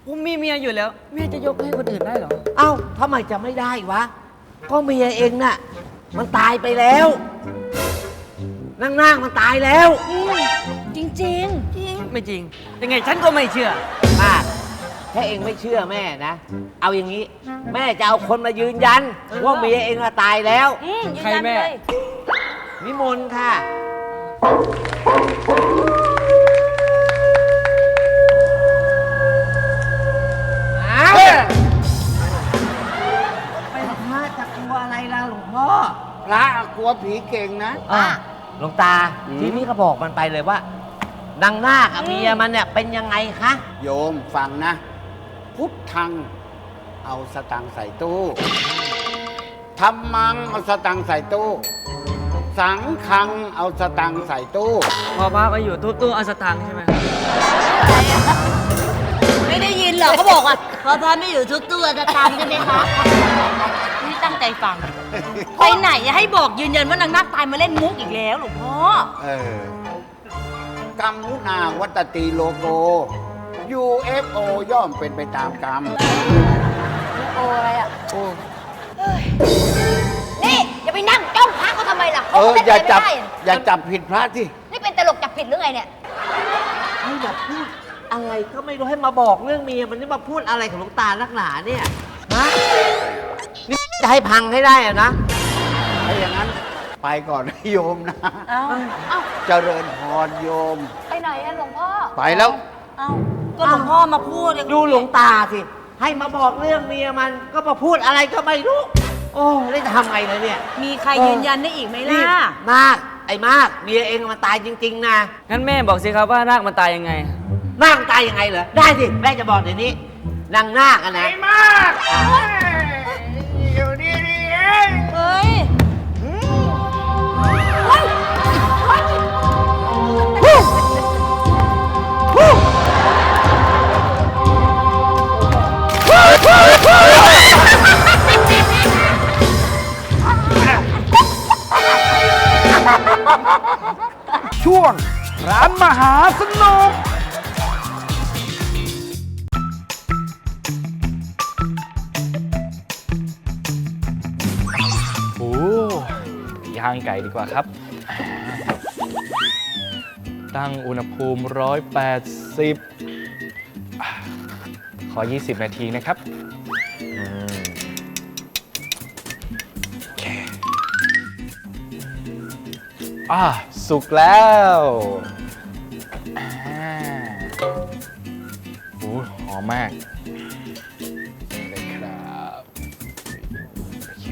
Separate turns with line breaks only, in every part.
ผมมีเมียอยู่แล้วแม่จะยกให้คนอื่นได้เหรอ
เอ้าทำไมจะไม่ได้วะ ก็เมียเองน่ะ มันตายไปแล้วนางมันตายแล้ว
จริง
จริง
ไม่จริง ยังไงฉันก็ไม่เชื่อ
มากถ้าเองไม่เชื่อแม่นะ เอาอย่างนี้ แม่จะเอาคนมายืนยัน ว่าเมียเองอะตายแล้ว
ยืน
ใคร
ยัน
แม่
เลย
นิมนต์ค่ะ อ้าวเป็นพระจะกลัวอะไรล่ะหลวงพ่อ
พระกลัวผีเก่งนะ
หลวงตา ทีนี้ก็บอกมันไปเลยว่า นางนาคอะเมียมันเนี่ยเป็นยังไงคะ
โยมฟังนะ พุทธังเอาสตังค์ใส่ตู้ธรรมังเอาสตังค์ใส่ตู้ สังฆังเอาสตังค์ใส่ตู้
พอพระมาอยู่ทุบตู้เอาสตางค์ใช่ไหม
ไม่ได้ยินเหรอเขาบอกอ่ะพอพาไม่อยู่ทุกตัวจะตามใช่ไหมคะนี่ตั้งใจฟัง ไปไหนอย่าให้บอกยืนยันว่านางนาคตายมาเล่นมุกอีกแล้วหลวงพ่อ
กรรมมุนาวัตติโลโก UFO ย่อมเป็นไปตามกรรม
โอ้อะไรอ่ะเฮ้ยนี่อย่าไปนั่งจ้องพระเขาทำไมล่ะเขาก็
อย่าจับ
ไม่ได้
อย่าจับผิดพระที่
นี่เป็นตลกจับผิดหรือไงเนี่ย
ให้มาพูดอะไรก็ไม่รู้ให้มาบอกเรื่องเมียมันนี่มาพูดอะไรของหลวงตานักหนาเนี่ยฮะนี่จะให้พังให้ได้อะนะ
ถ้าอย่างนั้นไปก่อนนะโยมนะ
เอ้า
เจริญพรโยม
ไปไหนอะหลวงพ่อ
ไปแล้ว
เอ้าก็หลวงพ่อมาพูดเลย
ดูหลวงตาสิ ให้มาบอกเรื่องเมียมันก็มาพูดอะไรก็ไม่รู้ โอ้แล้วจะทำไงเลยเนี่ย
มีใครยืนยันได้อีกไหมล่ะ
มากไอ้มากเมียเองมันตายจริง ๆ นะ
งั้นแม่บอกสิครับว่านาคมันตายยังไง
นาคมันตายยังไงเหรอได้สิแม่จะบอกเดี๋ยวนี้นางนาคอะนะ
อยู่นี่เอง
เฮ้ย
ช่วงร้านมหาสนุก
โอ้ย่างไก่ดีกว่าครับ ตั้งอุณหภูมิ 180 ขอ 20 นาทีนะครับโอเคสุกแล้วโอ้หอมมากนี่เลยครับ โอเค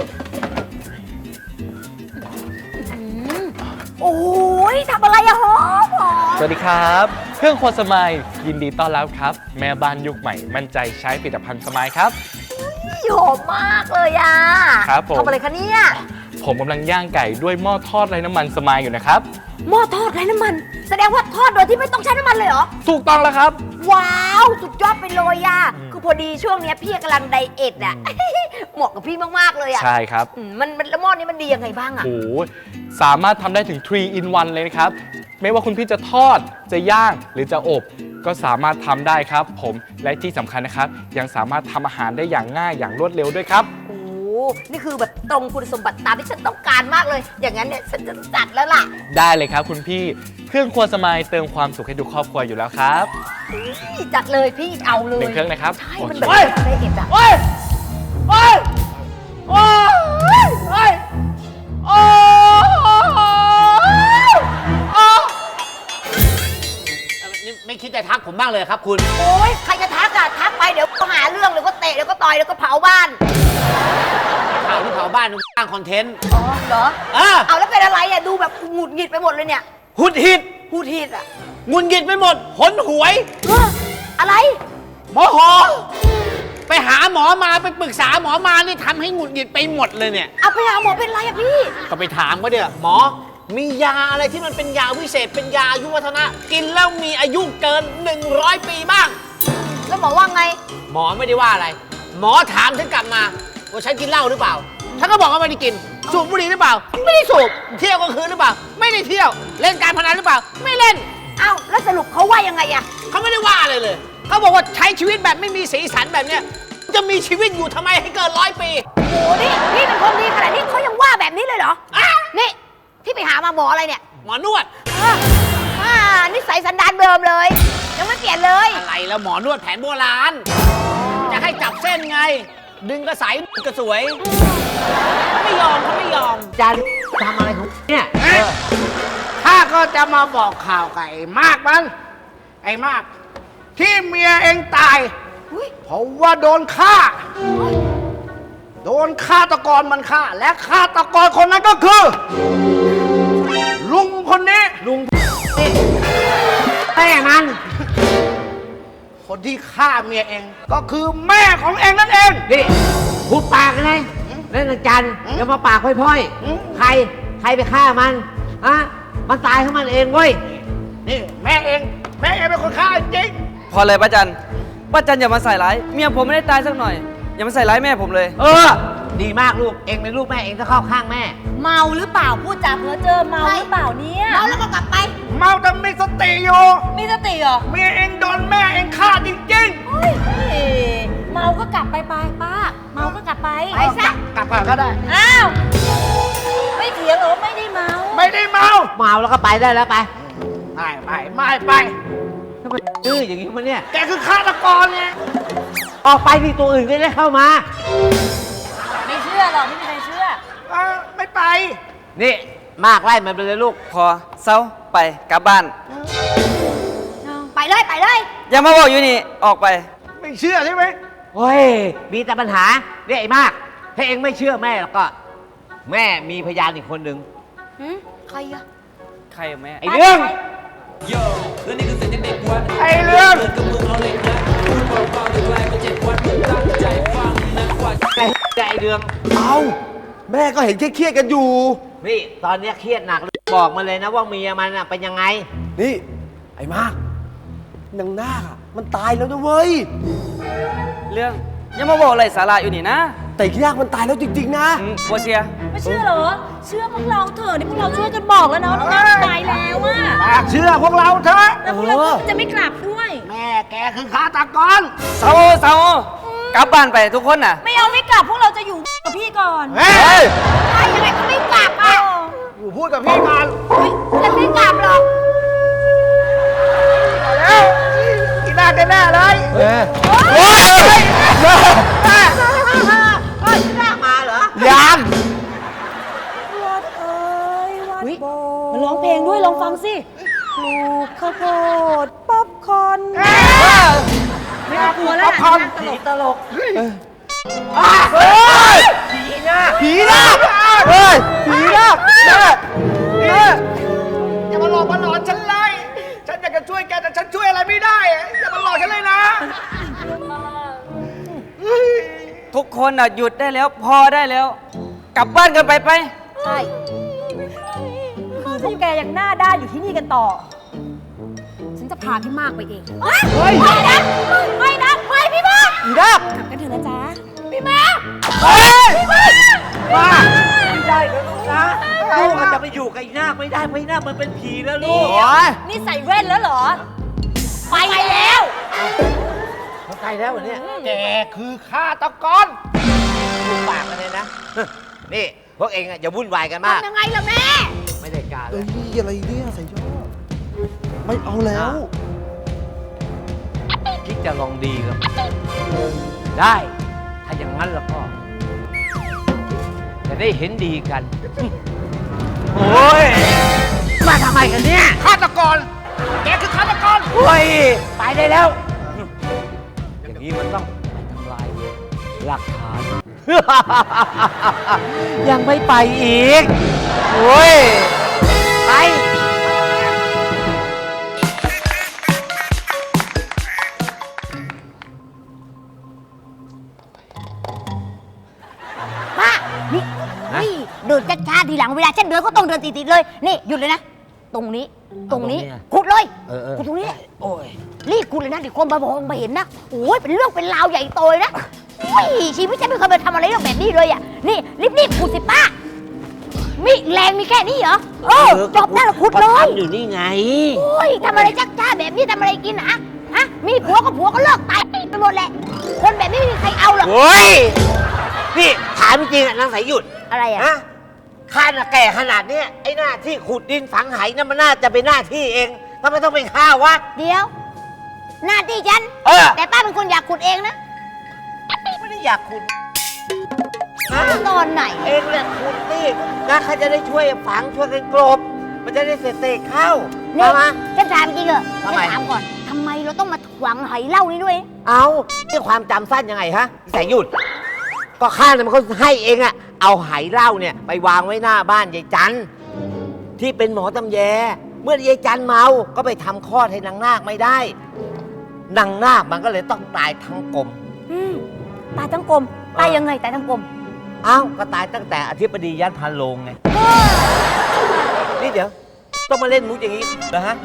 โอ้ยทำอะไรอะหอมหอม
สวัสดีครับ เครื่องครัวสมายยินดีต้อนรับครับ แม่บ้านยุคใหม่มั่นใจใช้ผลิตภัณฑ์สมายครับ
หอมมากเลยอะ
ครับผม
ทำอะไรคะเนี่ย
ผมกำลังย่างไก่ด้วยหม้อทอดไร้น้ำมันสมายอยู่นะครับ
หม้อทอดไร้น้ำมัน แสดงว่าทอดโดยที่ไม่ต้องใช้น้ำมันเลยเหรอ
ถูกต้องแล้วครับ
ว้าว สุดยอดไปเลยอะคือพอดีช่วงเนี้ยพี่กำลังไดเอทอะ เหมาะกับพี่มากๆเลยอะ
ใช่ครับ
มันแล้วหม้อนี้มันดียังไงบ้างอะ
โอ้โหสามารถทำได้ถึง 3 in 1 เลยนะครับ ไม่ว่าคุณพี่จะทอด จะย่าง หรือจะอบ ก็สามารถทำได้ครับผม และที่สำคัญนะครับ ยังสามารถทำอาหารได้อย่างง่ายอย่างรวดเร็วด้วยครับ
โอ้นี่คือแบบตรงคุณสมบัติตามที่ฉันต้องการมากเลย อย่างนั้นเนี่ยฉันจะจัดแล้วล่ะ
ได้เลยครับคุณพี่ เครื่องครัวสมายเติมความสุขให้ทุกครอบครัวอยู่แล้วครับ
จัดเลยพี่เอาเลย
1 เครื่องนะครับ
ใช่
โอ
มัน
เค
แบบไดเอทอะ
โอ้ยโอ้ยโอ้ยโอ้ยโอ้ยนี่ไม่คิดจะทักผมบ้างเลยครับคุณ
โอ้ยใครจะทักอะทักไปเดี๋ยวก็หาเรื่องเดี๋ยวก็เตะเดี๋ยวก็ต่อยเดี๋ยวก็เผาบ้าน
เผาที่เผาบ้านนึกสร้างคอนเทนต์
อ๋อเหรอ
อ่ะ
เอาแล้วเป็นอะไรอะดูแบบหงุดหงิดไปหมดเลยเนี่ย
หุดหิด
พูดทีดอะ
งุนหงิดไปหมดหนหวย
เฮ้ออะไร
โมโหไปหาหมอมาไปปรึกษาหมอมานี่ทำให้หงุดหงิดไปหมดเลยเนี่ย
เอาไปหาหมอเป็นไรอะพี่
ก็ไปถามเขาเดี๋ยหมอ มียาอะไรที่มันเป็นยาวิเศษ เป็นยาอายุวัฒนะ กินแล้วมีอายุเกิน 100 ปีบ้าง
แล้วหมอว่าไง
หมอไม่ได้ว่าอะไร หมอถามฉันกลับมาว่าฉันกินเหล้าหรือเปล่า ฉันก็บอกว่าไม่ได้กิน สูบบุหรี่หรือเปล่า ไม่ได้สูบ เที่ยวกลางคืนหรือเปล่า ไม่ได้เที่ยว เล่นการพนันหรือเปล่า ไม่เล่น
เอ้าแล้วสรุปเขาว่ายังไงอะ
เขาไม่ได้ว่าอะไรเลยเขาบอกว่าใช้ชีวิตแบบไม่มีสีสันแบบเนี้ยจะมีชีวิตอยู่ทำไมให้เกิน100 ปี
โอ้โหนี่พี่เป็นคนดีขนาดนี้เขายังว่าแบบนี้เลยเหรอนี่ที่ไปหามาหมออะไรเนี่ย
หมอนวด
นิสัยสันดานเดิมเลย ยังไม่เปลี่ยนเลย
อะไรแล้วหมอนวดแผนโบราณ จะให้จับเส้นไง ดึงกระสายกระสวยเขาไม่ยอมเขาไม่ยอมจันทำอะไรของเนี่ยข้าก็จะมาบอกข่าวกับไอ้มากมัน ไอ้มาก ที่เมียเองตายเพราะว่าโดนฆ่า โดนฆาตกรมันฆ่า และฆาตกรคนนั้นก็คือ ลุงคนนี้ ลุงแม่มัน คนที่ฆ่าเมียเอง ก็คือแม่ของเองนั่นเอง
นี่พูดปากกันเลยเล่นจันอย่ามาปากพร่อยๆ ใครไปฆ่ามันฮะมันตายของมันเองเว้ย
นี่แม่เองเป็นคนฆ่าจริง
พอเลยป้าจันอย่ามาใส่ร้ายเมียผมไม่ได้ตายสักหน่อย อย่ามาใส่ร้ายแม่ผมเลย
ดีมากลูก เองเป็นลูกแม่เองต้องเข้าข้างแม่
เมาหรือเปล่าพูดจาเพ้อเจ้อเมาหรือเปล่าเนี่ย
เมาแล้วก็กลับไป
เมาแต่มีสติอยู่
มีสติเหรอ
เมียเองโดนแม่เองฆ่าจริง
เฮ้ยเมาก็กลับไปป้าเมาก็กลับไป
ๆ
ไปซะ
กลับก่อนก็ได้
อ้าวไม่เถียงเหรอว่าไม่ได้เมา
ไม่ได้เมา
เมาแล้วก็ไปได้แล้วไป
ไม่ไป
ทำไมดื้ออย่างนี้มันเนี่ย
แกคือฆาตกรไง
ออกไปที่ตัวอื่นก็ได้เข้ามา
ไม่เชื่อหรอกไม่มีใครเชื่อ
ไม่ไป
นี่มากไล่มันไปเลยลูก
พอเศร้าไปกลับบ้าน
ไปเลยไปเลย
อย่ามาบอกอยู่นี่ออกไป
ไม่เชื่อใช่ไหม
เฮ้ย มีแต่ปัญหาเนี่ยไอ้มาก ถ้าเองไม่เชื่อแม่แล้วก็ แม่มีพยานอีกคนหนึ่ง
ใครอะ
ใครอะแม่
ไอ้เรื่อง
ไอ้เรื่อง
ไอ้เรื่อง
เอาแม่ก็เห็นเครียดๆกันอยู่
นี่ตอนเนี้ยเครียดหนักเลยบอกมาเลยนะว่าเมียมันน่ะเป็นยังไง
นี่ ไอ้มากนางนาคอะมันตายแล้วนะเว้ย
เรื่องอย่ามาบอกอะไรสาระอยู่นี่นะ
แต่อีกนาคมันตายแล้วจริงๆนะ
บัวเชีย
ไม่เชื่อเหรอ เชื่อพวกเราเถอะนี่พวกเราช่วยกันบอกแล้วเนาะน้องน้าตายแล้วอะ
เชื่อพวกเราเถอะ
แล้วพวกเราก็จะไม่กลับด้วย
แม่แกคือฆาตกร
เศร้ากลับบ้านไปทุกคนน่ะ
ไม่เอาไม่กลับพวกเราจะอยู่กับพี่ก่อน
เฮ้ย
ไปยังไงก็ไม่กลับอะ
อยู่พูดกับพี่ก่อน
ฉันไม่กลับหรอก
แล้วกินหน้าแน่เลย
เฮ้ยหน้ามาเหรอ
ยัง
มันร้องเพลงด้วยลองฟังสิปลูกข้าวโพดป๊อปคอร์นไม่ต้องกลัวแล้วนะ
ผีตลก
ผีนะ
เฮ้ย ผีนาคแม่
อย่ามาหลอกมาหลอนฉันเลย ฉันอยากจะช่วยแกแต่ฉันช่วยอะไรไม่ได้ อย่ามาหลอกฉันเลยนะ
ทุกคนน่ะหยุดได้แล้วพอได้แล้ว กลับบ้านกันไป
ใช่คือพวกแกยังหน้าด้านอยู่ที่นี่กันต่อ ฉันจะพาพี่มากไปเอง
ไปนะไปนะไปพี่มาก
ผีนาค
กลับกันเถอะนะจ๊ะ
พี่มาก
ว่าไม่ได้นะลูกนะลูกอาจจะไปอยู่กับไอ้นาคไม่ได้ไม่นาคมันเป็นผีแล้วลูก
นี่ใส่แว่นแล้วเหรอ
ไปแล้ว
เขาตายแล้วเหรอเนี่ย
แกคือฆาตกร
ลูกปากกันเลยนะ นี่พวกเองอะอย่าวุ่นวายกันมาก
ทำยังไงล่ะแม่
ไม่ได้การเล
เอ้
ย
ยอะไรเนี่ยใส่ยอดไม่เอาแล้ว
คิดจะลองดีกับได้ ถ้าอย่างนั้นแล้วก็ จะได้เห็นดีกัน โอ้ย มาทำไมกันเนี่ย
ฆาตกร แกคือฆาตกร
โอ้ย ไปได้แล้ว อย่างนี้มันต้องไปทำลายหลักฐาน ยังไม่ไปอีก โอ้ย ไป
ป้านี่นี่เดินช้าๆทีหลังเวลาฉันเดินก็ต้องเดินติดๆเลย นี่หยุดเลยนะ ตรงนี้ ตรงนี้
ตรงนี้อะ
ขุดเลย
เออ
ขุดตรงนี้
โอ้ย
รีบขุดเลยนะเดี๋ยวคนมาบอกมาเห็นนะโอ้ยเป็นเรื่องเป็นราวใหญ่โตเลยนะโอ้ยชีวิตฉันไม่เคยไปทำอะไรเรื่องแบบนี้เลยอ่ะ นี่รีบขุดสิป้ามีแรงมีแค่นี้เหรอจบได้แล้วขุดเลย
อยู่นี่ไง
โอ้ยทำอะไรจักจ้าแบบนี้ทำอะไรกินอะฮะ มีผัวก็ผัวก็เลิกตายไปหมดแหละ คนแบบนี้ไม่มีใครเอาหรอก
โอ้ย นี่ถามจริงๆอะนางสายหยุด
อะไรอ่ะ
ฮะข้าน่ะแก่ขนาดเนี้ยไอ้หน้าที่ขุดดินฝังไหนั่นมันน่าจะเป็นหน้าที่เองทำไมต้องเป็นข้าวะ
เดี๋ยว หน้าที่ฉัน
เออ
แต่ป้าเป็นคนอยากขุดเองนะ
ไม่ได้อยากขุด
ตอนไหน
เองแหละขุดนี่นะข้าจะได้ช่วยฝังช่วยกันกลบ มันจะได้เสร็จๆเข้า
เนี่ย
เอามา
ฉันถามจริงเหรอ
ทำ
ฉัน
ไม
ถามก่อนทำไมเราต้องมาหวังไหเหล้านี่ด้วย
เอานี่ความจำสั้นยังไงฮะสายหยุด ก็ข้าเนี่ยมันก็ให้เองอะเอาไหเหล้าเนี่ยไปวางไว้หน้าบ้านยายจันที่เป็นหมอตำแย เมื่อยายจันเมา ก็ไปทำคลอดให้นางนาคไม่ได้ นางนาคมันก็เลยต้องตายทั้งกลม
ตายทั้งกลม ตายยังไงตายทั้งกลม
เอ้าก็ตายตั้งแต่อธิบดียันพันโลงไง นี่เดี๋ยว ต้องมาเล่นมุกอย่างนี้เหรอฮะ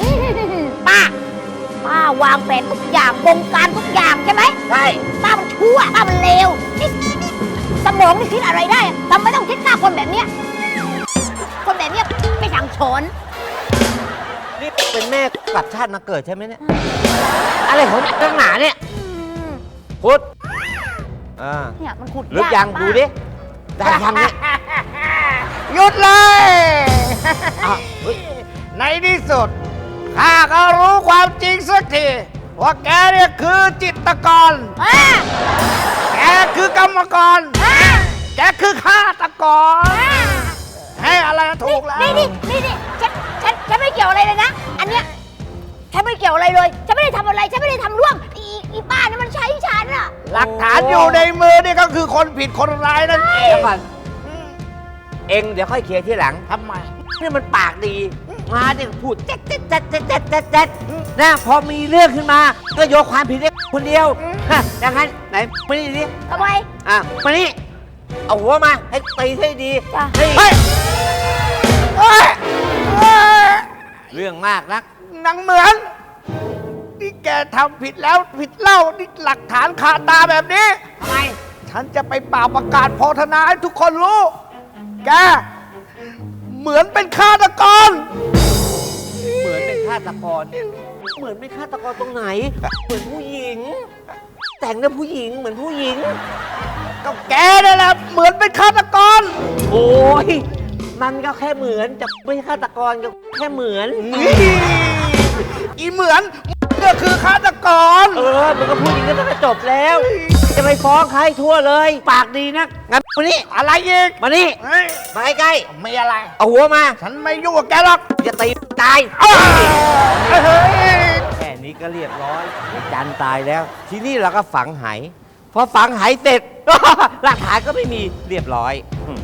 ป้าวางแผนทุกอย่างบงการทุกอย่างใช่ไหม
ใช่
ป้ามันชั่วป้ามันเลวนี่สมองนี่คิดอะไรได้ทำไมต้องคิดฆ่าคนแบบเนี้ยคนแบบเนี้ยไม่สั่งสอน
นี่เป็นแม่กลับชาติมาเกิดใช่ไหมเนี่ย อะไรของนักหนาเนี่ย พุทธ
เนี่ยมันขุด
ลึกยัง
ป้า
ดูดิ ได้ยังเนี่ย
หยุดเลย
อ้าวเฮ้ย
ในที่สุดข้าก็รู้ความจริงสักที ว่าแกเนี่ยคือจิตรกร แกคือกรรมกร แกคือฆาตกร ให้อะไรถูกแล้ว
นี่ฉันไม่เกี่ยวอะไรเลยนะ อันเนี้ยฉันไม่เกี่ยวอะไรเลย ฉันไม่ได้ทำอะไร ฉันไม่ได้ทำร่วงอีป้าเนี่ยมันใช้ฉันอะ
หลักฐานอยู่ในมือนี่ก็คือคนผิดคนร้ายนั่นเอง
เดี๋ยวก่อนเองเดี๋ยวค่อยเคลียร์ที่หลัง
ทำไม
นี่มันปากดี มาเนี่ยพูดเจ๊ดนะพอมีเรื่องขึ้นมา ก็โยนความผิดให้คนเดียวฮะอย่างนั้นไหนมานี่ดิ
ทำไม
มานี่ เอาหัวมา ให้ตีให้ดี
จ้ะ
เฮ้ย
เฮ้ยเฮ้ยเฮ้ย
เรื่องมากนัก
นางเหมือนนี่แกทำผิดแล้วผิดเล่านี่หลักฐานคาตาแบบนี้
ทำไม
ฉันจะไปเป่าประกาศโพธนาให้ทุกคนรู้ แก เหมือนเป็นฆาตกร
เหมือนเป็นฆาตกร เหมือนเป็นฆาตกรตรงไหน เหมือนผู้หญิง แต่งเรื่องผู้หญิงเหมือนผู้หญิง
ก็แกนั่นแหละเหมือนเป็นฆาตกร
โอ้ย มันก็แค่เหมือนจะไม่ใช่ฆาตกรก็แค่เหมือน
อีเหมือนก็คือฆาตกร
มันก็พูดอย่างนี้ก็จบแล้ว จะไปฟ้องใครทั่วเลย ปากดีนักงั้นมานี่
อะไรอีก
มานี่
เฮ้ย
มาใกล้
ไม่อะไร
ๆเอาหัวมา
ฉันไม่ยุ่งกับแกหรอก
อย่าตีตาย
เฮ้ย
แค่นี้ก็เรียบร้อยไอ้จันตายแล้ว ทีนี้เราก็ฝังไหพอฝังไหเสร็จ หลักฐานก็ไม่มีเรียบร้อย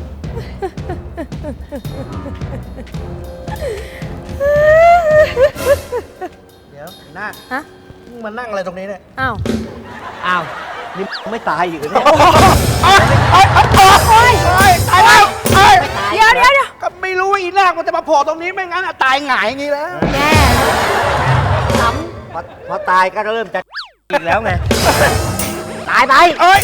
เดี๋ยวหน้า
ฮะ
มึงมานั่งอะไรตรงนี้เนี่ย
อ้าว
อ้าว นี่ไม่ตายอีกเหรอเนี่ย
ตายแล้ว
เดี๋ยว
ก็ไม่รู้ว่าอีแรกมันจะมาโผล่ตรงนี้ไม่งั้นอะตายหงายอย่างนี้แล้ว
แน่
พอตายก็เริ่มจะอีกแล้วไง ตายไป
เอ้ย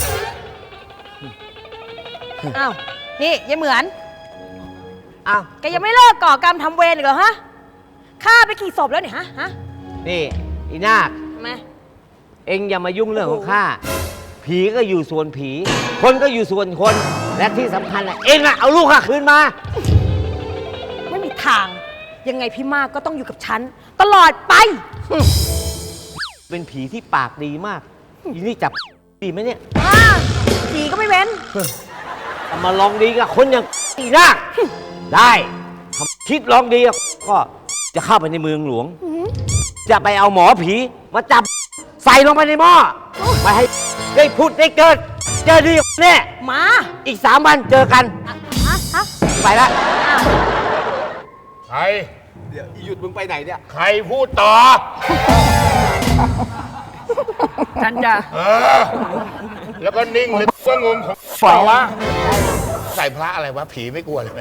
อ้าว นี่ยายเหมือน
อ้าว
แกยังไม่เลิกก่อกรรมทำเวรอีกเหรอฮะ ฆ่าไปกี่ศพแล้วเนี่ยฮะ
นี่อีนาค
มา
เอ็งอย่ามายุ่งเรื่องของข้า ผีก็อยู่ส่วนผี คนก็อยู่ส่วนคน และที่สำคัญน่ะเอ็งอะเอาลูกข้าคืนมา
ไม่มีทาง ยังไงพี่มากก็ต้องอยู่กับฉัน ตลอดไป
เป็นผีที่ปากดีมาก อีนี่จับดีไหมเนี่ย
ผีก็ไม่เว้น
แต่มาลองดีกับคนอย่างอีนาคได้ทำคิดลองดีก็จะเข้าไปในเมืองหลวง จะไปเอาหมอผีมาจับใส่ลงไปในหม้อไปให้ได้พูดได้เกิด เจอดีแน่
มา
อีก3 วันเจอกัน
ฮะ
ไปละ
ใคร
เดี๋ยวหยุดมึงไปไหนเนี่ย
ใครพูดต่อ
ฉันจะ
แล้วก็นิ่งเลยก็งงของเปล่าวะใส่พระอะไรวะ ผีไม่กลัวเลย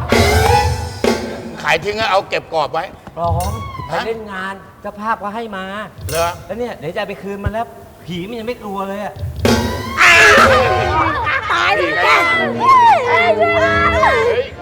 ขายทิ้งแล้วเอาเก็บกรอบไว้
ร้องไป
ฮะ
เล่นงานเจ้าภาพก็ให้มา
เหรอ
แล้วเนี่ยเดี๋ยวจะเอาไปคืนมันแล้ว ผีมันยังไม่กลัวเลยอะ
ตายเลยแก
เฮ้ย